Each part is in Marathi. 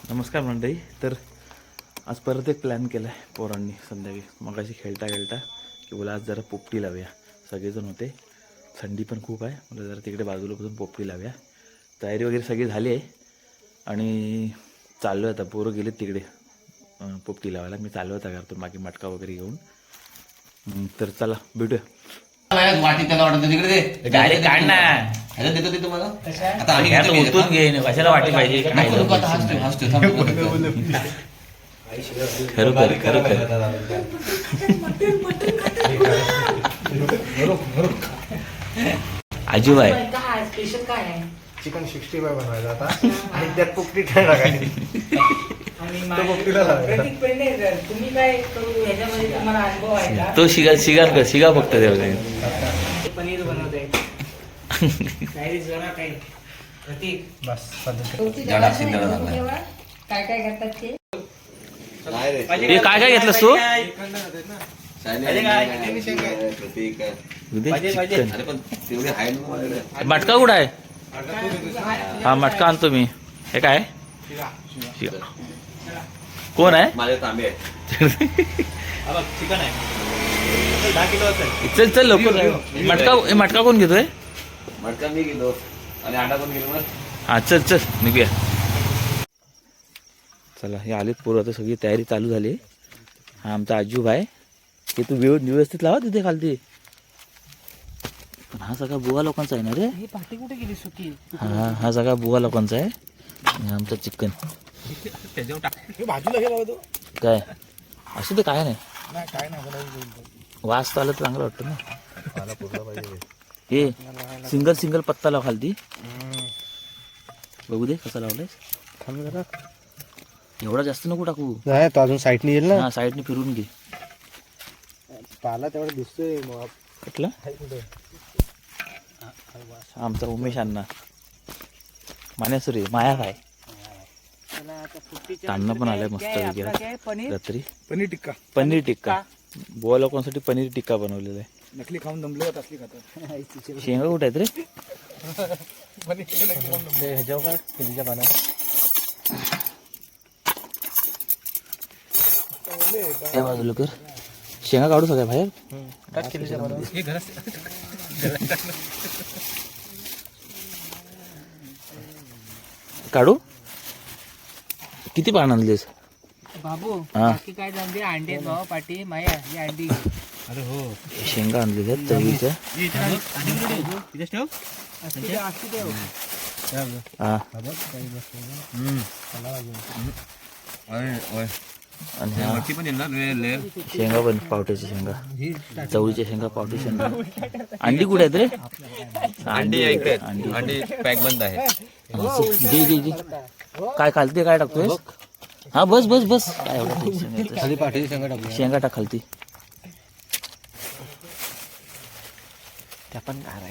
नमस्कार मंडळी. तर आज परत एक प्लॅन केला आहे पोरांनी संध्याकाळी मगाशी खेळता खेळता की बोला आज जरा पोपटी लावूया. सगळेजण होते, थंडी पण खूप आहे, मला जरा तिकडे बाजूला बसून पोपटी लावूया. तयारी वगैरे सगळी झाली आहे आणि चाललो आहे आता. पोरं गेलेत तिकडे पोपटी लावायला. मी चाललो होता घरातून बाकी मटका वगैरे घेऊन. तर चला भेटूया. वाटी त्याला वाटत तिकडे दे डायरेक्ट काढ ना. देतो ते तुम्हाला आता आम्ही उतरून घेईन, कशाला वाटी पाहिजे. खरोखर खरोखर आजूबाई स्पेशल काय आहे? चिकन 65 बनवायचा आता आणि त्यात पोपटी टाकायची. आणि तो पोपटीला लावायचा. प्रतीक पेंडे, तुम्ही काय करू ह्याच्यामध्ये तुम्हाला अनुभव आहे का? तो शिगा फक्त तेवढे ते पनीर बनवते काही जरा काही प्रतीक बस पद्धत. काय काय करतात ते? हे काय काय घेतलंस तू? मटका कुठं आहे? हा मटका आणतो मी. हे काय शिगा. कोण आहे? माझे तांबे चिकन आहे 10 किलो असेल. चल चल लवकर. मटका कोण घेतोय? मटका मी गेलो आणि अंडा पण गेलो ना. हा चल चल निघूया. चला हे आलेत पोरं, आता सगळी तयारी चालू झाली. हा आमचा आजूबा आहे. ते तू व्यवस्थित लावा तिथे खालती. पण हा सगळा बुवा लोकांचा आहे ना रे. ही पाठी कुठे गेली सुकी? हा सगळा बुवा लोकांचा आहे. आणि आमचं चिकन बाजूला गेला तू. काय असं ते काय नाही. नाही काय नाही वास तर आला तर चांगलं वाटतं ना. मला पुरला पाहिजे. हे सिंगल पत्ता लाव खालती. बघू दे कसा लावलाय. थांब जरा. एवढा जास्त नको टाकू. नाही तो अजून साईडने येईल ना. हा साईडने फिरून घे. पाला तेवढा दिसतोय मग. कुठला? आमचा उमेश अण्णा मान्यासुरी माया काय तांना पण आलाय मस्त वगैरे पनीर रात्री. पनीर टिक्का बुवा लोकांसाठी पनीर टिक्का बनवलेला आहे. नकली खाऊन दमले होत असली खातात. शेंगा कुठे आहेत रे? ह्याच्यावर काढ केलीच्या पाण्यावर. त्या बाजूला कर. शेंगा काढू सगळ्या बाहेर. काढ केलीच्या पाण्यावर. काढू. किती पान आणलीस? बाबू हा. बाकी काय जाणते अंडे भाव पाठी माया ही अंडी घे. अरे हो शेंगा आणलेल्या आहेत चवीच्या. असू दे. हा आणि हा पण येणार लेअर. शेंगा पण पावट्याच्या शेंगा, चवळीच्या शेंगा, पावटी शेंगा. अंडी कुठे आहेत रे? अंडी इकडे अंडी पॅक बंद आहे. घे घे घे. काय खालती काय टाकतोय? हा बस बस बस. काय एवढं tension घ्यायचं? खाली पाठीची शेंगा टाकूया. शेंगा टाक खालती. त्या पण काय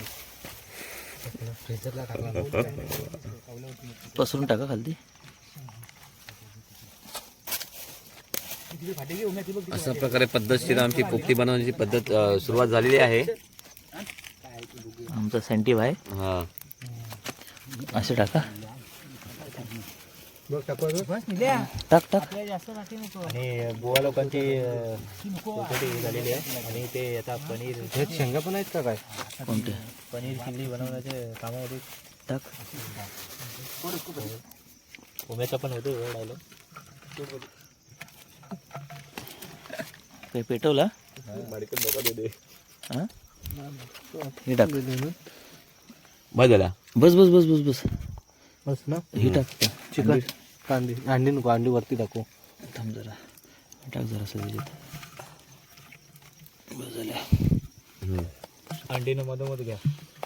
पसरून टाका खालती. अशा प्रकारे पद्धतशीर आमची पोपटी बनवण्याची पद्धत सुरुवात झालेली आहे. आमचा सेंटिव्ह आहे. हा असं टाका. टाक टाक टाक. जास्त टाकी नको. आणि बुवा लोकांची पोपटी झालेली आहे. आणि ते आता पनीर ह्यात शेंगा पण आहेत का काय? कोणते? पनीर चिल्ली बनवण्याचे कामामध्ये टाक. उमेचा पण होतो राहिलं. काही पेटवला? हा हे टाक. बस झाला. बस बस बस बस बस. बस ना. हे टाक. चिकन कांदी अंडी नको, अंडी वरती टाकू. थांब जरा. टाक जरा सगळ्यात. बस झाल्या. अंडीनं मधोमध घ्या.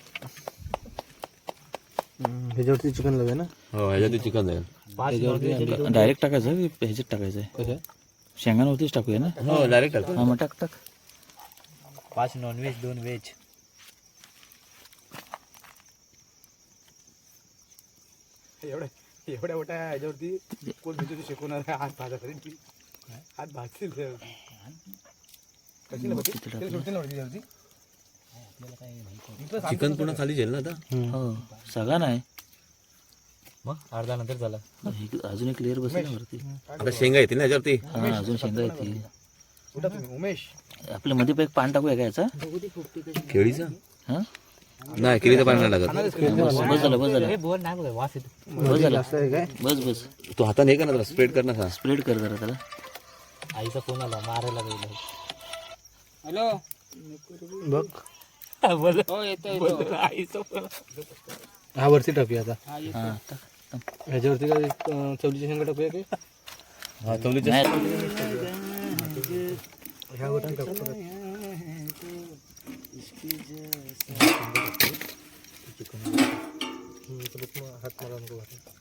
ह्याच्यावरती चिकन लावूया ना. हो ह्याच्यात चिकन जाईल. डायरेक्ट टाकायचं ह्याच्यात टाकायचं आहे. कसं शेंगांवरतीच टाकूया ना. हो डायरेक्ट हा मग टाक टाक. 5 नॉनव्हेज 2 व्हेज. एवढ्या मोठ्या ह्याच्यावरती कोण भीती शिकवणार आहे? हात भाजा करेल. हात भाजतील चिकन पूर्ण खाली जाईल ना आता. हो सगळा नाही. मग अर्धा नंतर झाला. अजून एक लेअर बसेल ना वरती. आता शेंगा येतील ना याच्यावरती. हा अजून शेंगा येतील. आपल्या मध्ये एक पान टाकूया का याचा? केळीचा हा नाही, केळीचं पाणी नाही लागत. बस झालं बस झालं हे बोर नाही बघा वास येतो. बस झालं बस बस तू हाताने हे कर ना, स्प्रेड कर ना. स्प्रेड कर जरा त्याला. आईचा फोन आला मारायला गेला. हॅलो बघ बोल. हो येतो आईचा फोन. हा वरती टाकूया आता. हा टाक. ह्याच्यावरती काय चवलीची शेंगा टाकूया की हा चवलीच्या नाही. ह्यावर टाकू परत. हात मारा नको.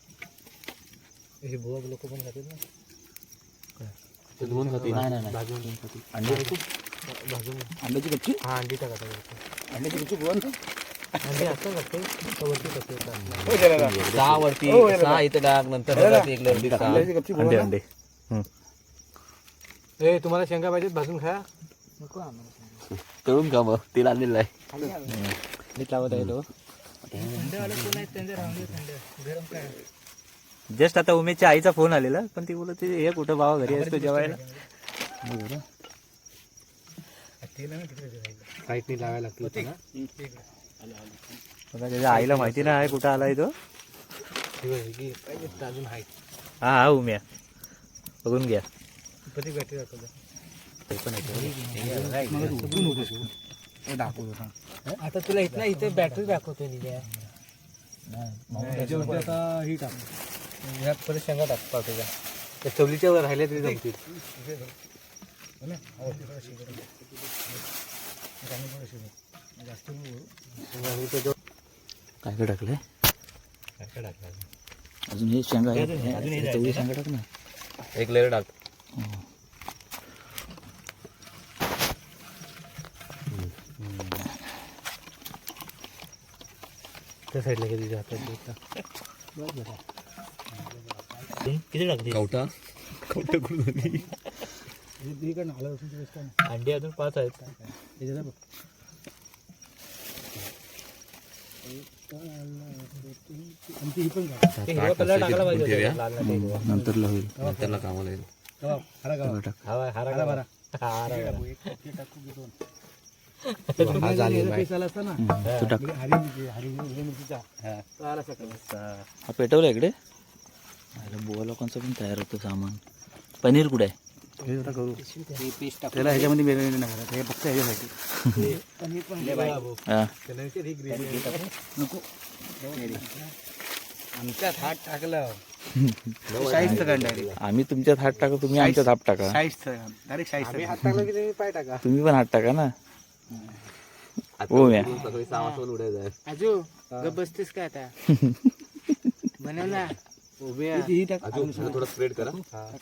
हे बुवा लोक पण खातील ना. दोन खाते. नाही नाही भाजून अंडे भाजून अंड्याची कच्ची हा अंडी टाका. अंड्याची कच्ची गोवन अंडी असं लागते वरती टाकते. 6 वरती 6 इथे टाक, नंतर एक लंडी टाक. अंडे अंडे. ए तुम्हाला शेंगा पाहिजेत भाजून खा. तळून का मग तेल आणलेलं आहे. मीठ लावत आहे तो. गरम काय जस्ट आता उमेशच्या आईचा फोन आलेला, पण ती बोलत हे कुठं बाबा घरी असतो जेवायला. साईटनी लावायला लागते ना. त्याच्या आईला माहिती नाही कुठं आलाय तो. अजून आहे. हा हा उम्या बघून घ्या. आता तुला इथला इथे बॅटरी दाखवतोय आता ही टाक. ह्यात परत शेंगा टाक पावट्याच्या. त्या चवलीच्या वर राहिल्या तरी जमतील. काय काय टाकलंय अजून? हे शेंगा आहे. तेवढी शेंगा टाक ना. एक लेअर टाक. त्या साईडला कधी जातात किती टाकते? कवटा करून अंडी अजून 5 आहेत. नंतर होईल. त्याला कामाला येईल. तू टाक. हा पेटवला इकडे. बुवा लोकांचं पण तयार होतं सामान. पनीर कुठे आहे? त्याला ह्याच्यामध्ये वेगळे नाही घालत. हे फक्त ह्याच्यासाठी. हा आमच्यात हात टाकलं. आम्ही तुमच्यात हात टाका, तुम्ही आमच्यात हात टाका. हात टाकलं की तुम्ही पाय टाका. तुम्ही पण हात टाका ना. हो म्या सगळी 6 वाजता उडायचं आहे. आजू गप बसतेस का आता? बनव ना. थोडं स्प्रेड करा.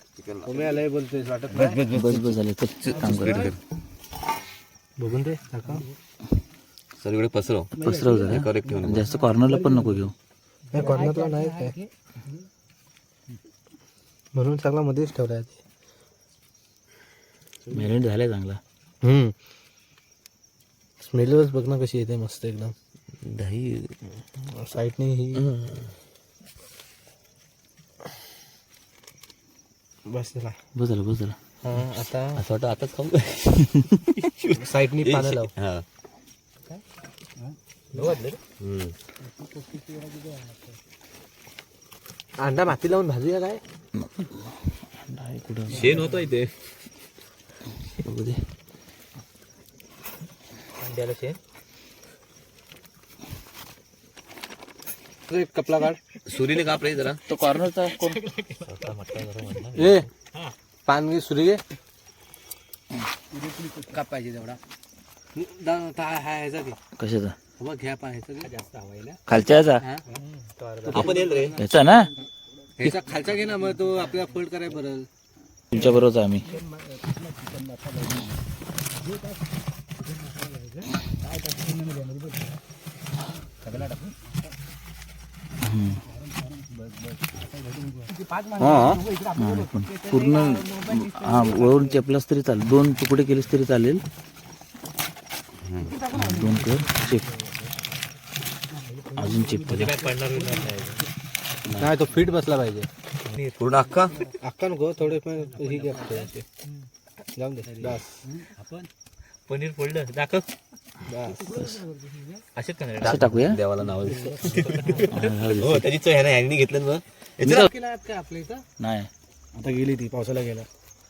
बस बस झालं. काम कर. बघून दे टाका. सगळीकडे पसरव. पसरव जरा. करेक्ट ठेवून. जास्त कॉर्नरला पण नको घेऊ. कॉर्नरला नाही काय म्हणून चांगला मध्येच ठेवलाय. मॅरिनेट झालाय चांगला. स्मेलच बघ ना कशी येते मस्त एकदम. दही साईडने ही बस झाला. बस झालं बस झालं. आता असं वाटतं आताच खाऊ. साईडने पानं लाव. हा अंडा माती लावून भाजूया काय? नाही कुठं शेण होतं इथे. बघू दे. अंड्याला शेण. एक कपला काढ. सुरीने काप रे जरा. तो कॉर्नरचा कोण? ए पान घे सुरी घे. का पाहिजे तेवढा? ह्याचा घे. कशाचा? बघ घ्या पाहायचा जास्त हवायला. खालच्या याचा? आपण येईल रे. याचा ना? ह्याचा खालचा घे ना, मग तो आपल्याला फोल्ड करायला बरं. तुमच्या बरोबर आम्ही. पण पूर्ण हा वळून चेपलास तरी चालेल. 2 तुकडे केलेस तरी चालेल. 2 कर चेप. अजून चेप. काय पडणार नाही. नाही तो फिट बसला पाहिजे. पूर्ण अख्खा अक्का नको थोडे पण ही घ्या जाऊन दे बस. आपण पनीर फोल्डर दाखव. बस असेच का नाही? असं टाकूया. देवाला नाव हो त्याची चव ह्याने हँगनी घेतलं ना. काय आपल्या इथं नाही आता गेली ती पावसाला गेला.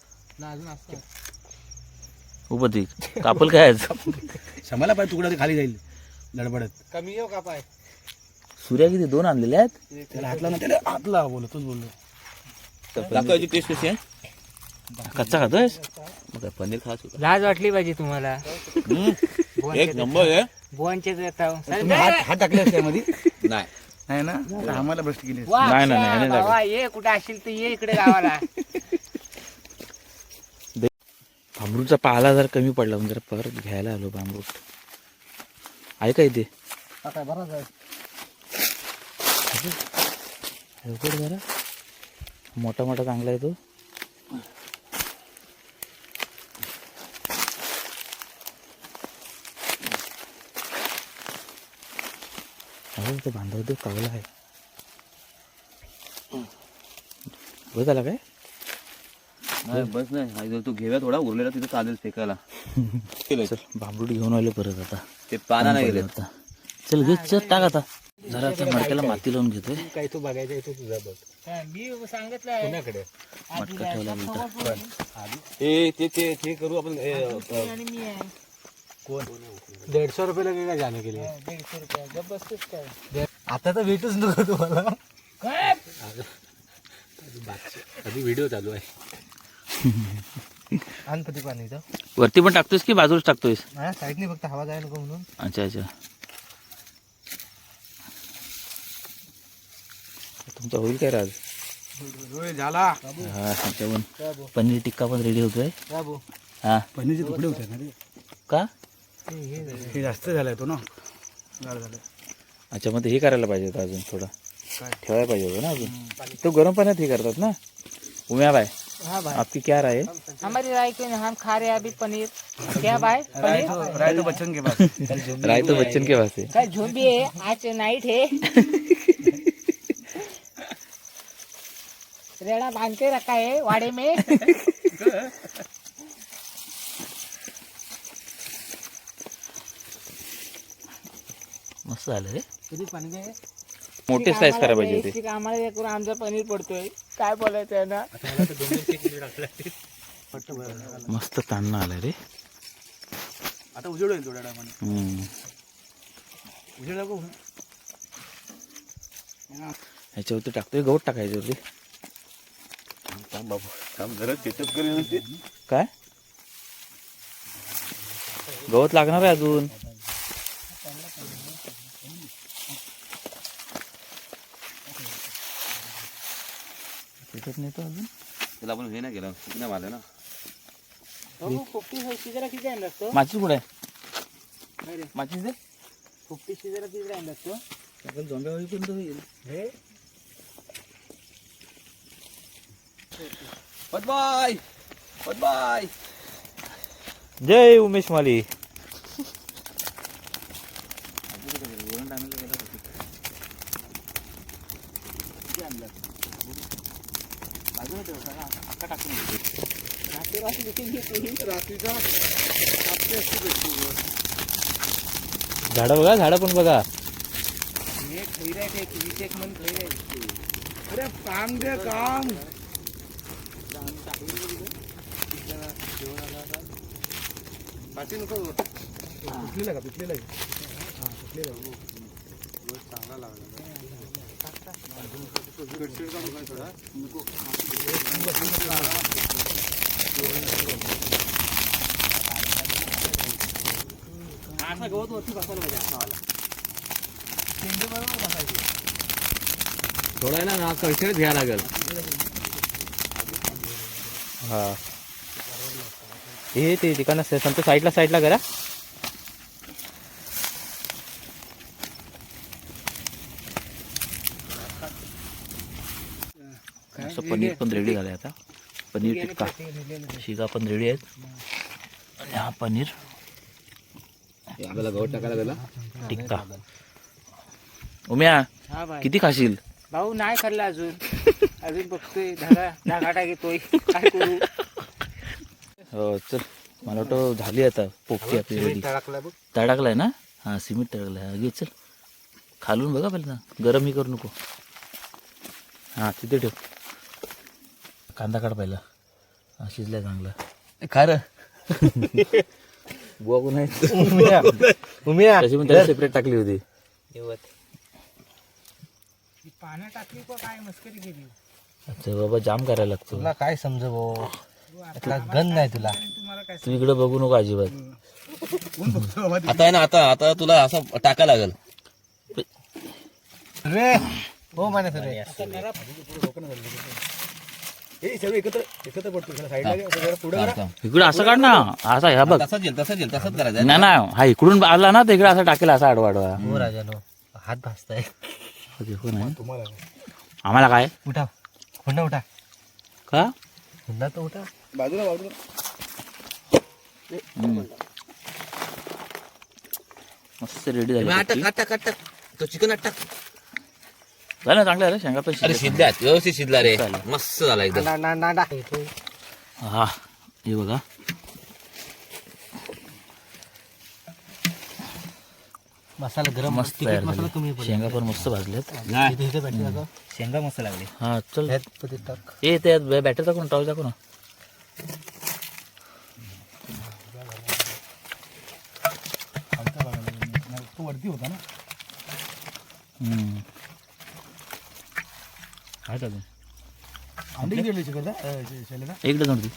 उभं ती कापल काय आज? शमाला पाय तुकडा ते खाली जाईल लडबडत. कमी येऊ का पाय? सूर्या किती 2 आणलेले आहेत. त्याला हातला ना त्याला हातला बोललो तूच बोललो. दाखवायची टेस्ट कशी आहे. कच्चा खातोयस? मग काय पनीर खास होता. लाज वाटली पाहिजे तुम्हाला. एक नंबर आहे. बोनचे देता तुम्ही हात टाकले त्यामध्ये नाही नाही ना तर आम्हाला भ्रष्ट केली. नाही, नाही, नाही, नाही बाबा ये कुठे असशील तर ये इकडे गावाला. भांबरूटचा पाला जर कमी पडला म्हणजे जरा परत घ्यायला आलो भांबरूट. आहे का इथे? काय बराच आहे. लवकर जरा मोठा मोठा चांगला आहे तो. तो बांधव तो कावला आहे. बस आला काय? नाही, बस नाही हा जो तू घेऊया थोडा उरलेला तिथे चालेल फेकायला. चल भांबरूट घेऊन आलो परत आता. ते पाना नाही गेले. आता चल घे चल टाक आता. जरा आता मडक्याला माती लावून घेतोय. काय तू बघायचं आहे तो तुझा बघ. मी सांगितलं पुण्याकडे मटका ठेवला नंतर. ते करू आपण आणि मी आहे. कोण 150 रुपयाला काय काय जाणे केले. 150 रुपये गप बसतेस काय? आता तर भेटूच नको तुम्हाला. काय आधी व्हिडिओ चालू आहे. आणपती पाणी इथं वरती पण टाकतोयस की बाजूलाच टाकतोयस? हा साईडने फक्त हवा जायला नको म्हणून. अच्छा अच्छा. तुमचा होईल काय राज? झाला हा जेवण पनीर टिक्का पण रेडी होतोय. हा पनीरचे तुकडे होते ना रे. का? हे जास्त झालाय तो ना गार झालं. अच्छा मग ते हे करायला पाहिजे होतं अजून थोडं काय? ठेवायला पाहिजे होतं ना अजून. तो गरम पाण्यात हे करतात ना. उम्या बाय हाँ भाई आपकी क्या राय है? हमारी राय के हम खा रहे हैं अभी पनीर. क्या भाई पनीर राय तो बच्चन के पास. राय तो बच्चन के पास है. कल झुंबी है आज नाइट है. रेड़ा बांध के रखा है वाड़े में. मस्त झालं रे. किती पाणी काय मोठे साईज करायला पाहिजे होते. बेसिक आम्हाला हे करून आमचं पनीर पडतोय. काय बोलायचं आहे ना. मस्त तान्ना आलाय रे. आता उजेड होईल थोड्या टायमाने. उजेड नको. ह्याच्यावरती टाकतोय गवत टाकायच्यावरती. काय गवत लागणार आहे अजून. त्याच्यात नाही तो अजून. त्याला आपण हे नाही केलं नाही मारलं ना. फुफ्टी शिजरा किती आणला असतो. माचीस कुठे आहे? माचीस दे. फुफ्टी शिजरा किती आणला असतो. आपण झोंब्या होईपर्यंत होईल. हे बाय बाय. जय उमेश माली. झाडं बघा झाडं पण बघा. अरे काम दे काम. पाठी नको. पिकलेला का पिकलेला चांगला लागला. गवत वरती बसायला पाहिजे असावाला. थोडा आहे ना कळशीच घ्यायला लागेल. हा हे ते ठिकाण संत साईडला करा. असं पनीर पण रेडी झालंय आता. पनीर टिक्का शिगा पण रेडी आहेत. आणि हा पनीर आपल्याला गवत टाकायला गेला. टिक्का. उम्या हा भाई किती खाशील? भाऊ नाही खाल्ला अजून अजून बघतोय धागाटा घेतोय काय करू. हो चल, मला वाटतं झाली आता पोपटी आपली रेडी. तडाकलाय ना? हा सिमेंट तडाकलाय. घे चल, खालून बघा पहिल्यांदा, गरम ही करू नको. हा तिथे ठेव. कांदा काढ पहिला. हा शिजलाय चांगला. खा र बुवा कोण आहे तशी पण त्याला सेपरेट टाकली होती. पाण्यात टाकली का काय मस्करी केली. अच्छा बाबा, जाम करायला लागतो. तुला काय समज भाऊ, गंध नाही तुला. तू इकडे बघू नको अजिबात. आता आहे ना, आता तुला असं टाका लागेल. रे हो माने सर इकडे असं काढ ना, असा ह्या बघ. तसंच करायचं. नाही ना, हा इकडून आला ना तर इकडे असा टाकेल, असा आडवा आडवा. हो राजानो, हात भासताय. आम्हाला काय उठा हुंडा उठा का हुंडा तर उठा. मस्त रेडी झाली. टाक तो चिकन टाक. झालं चांगलं आहे रे, शेंगा पण अरे शिजल्या. शिजल्यात, व्यवस्थित शिजला रे, मस्त झाला एकदम. हा हे बघा, मसाला गरम मस्त तयार झाली. शेंगा पण मस्त भाजल्यात. शेंगा मस्त लागले. हा चल, टाक. ए त्यात बॅटर टाकून टाकू टाकू ना. वरती होता ना. काय टाकू अंडी गेली इकडे नव्हती.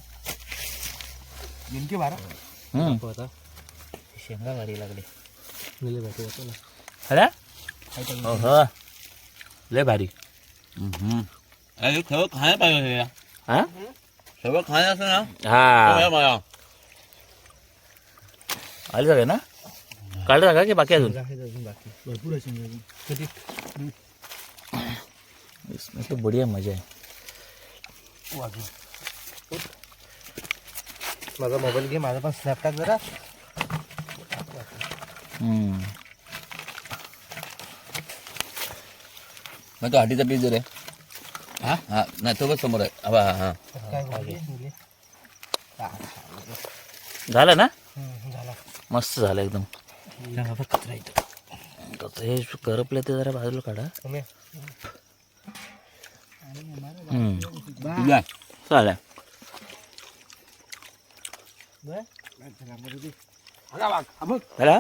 नेमके बारा शेंगा भारी लागले. भेटू हो लय भारी. अरे सगळं खायला पाहिजे. हा सगळं खायला असं ना. हा आले सगळे ना. काढलं का की बाकी अजून. भरपूर आहे शेंगा अजून. कधी इसमें तो बढ़िया मजा है. माझा मोबाईल घे, माझा पण स्नॅप टाक जरा. मग तो हाटीचा पीस दे रे. हा नाही तो बस समोर आहे. हा हा झालं ना. झाला. मस्त झालं एकदम. कचरा इथं. हे करपलं ते जरा बाजूला काढा. चालेल. झाला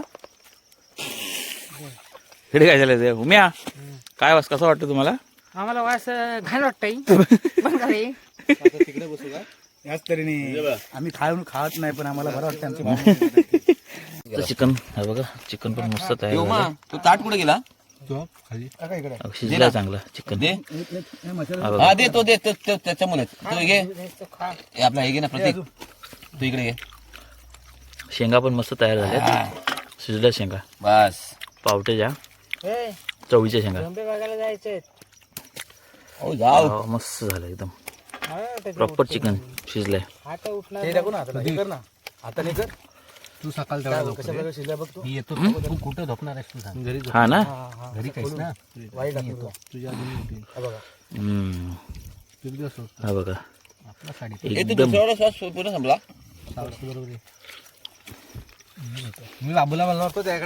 इकडे काय झालं ते उम्या, काय वास कसं वाटतं तुम्हाला. आम्हाला वास घाण वाटतंय. तिकडे बसू का. याच तऱ्हेने आम्ही खात नाही, पण आम्हाला बरं वाटतं. चिकन हे बघा, चिकन पण मस्त तयार झालं. तो ताट कुठे गेला. शिजला चांगला चिकन. दे हा दे तो दे त्याच्यामुळे तो घे. हे आपला हे घे ना प्रतीक, तू इकडे घे. शेंगा पण मस्त तयार झाल्यात. शिजल्या शेंगा बस. पावट्याच्या चवळीच्या शेंगा. बघायला जायचंय. हो जाऊ. हो, मस्त झालं एकदम. प्रॉपर चिकन शिजलंय. आता उठणार आता कर. तू सकाळ मी येतो. तू कुठं झोपणार आहेस तू सांग. घरी हा ना. घरी काहीच ना. तुझ्या हा बघा आपला साडी एकदम दुसऱ्याला श्वास पूर्ण संपला. बरोबर. मी बाबूला म्हणलो होतो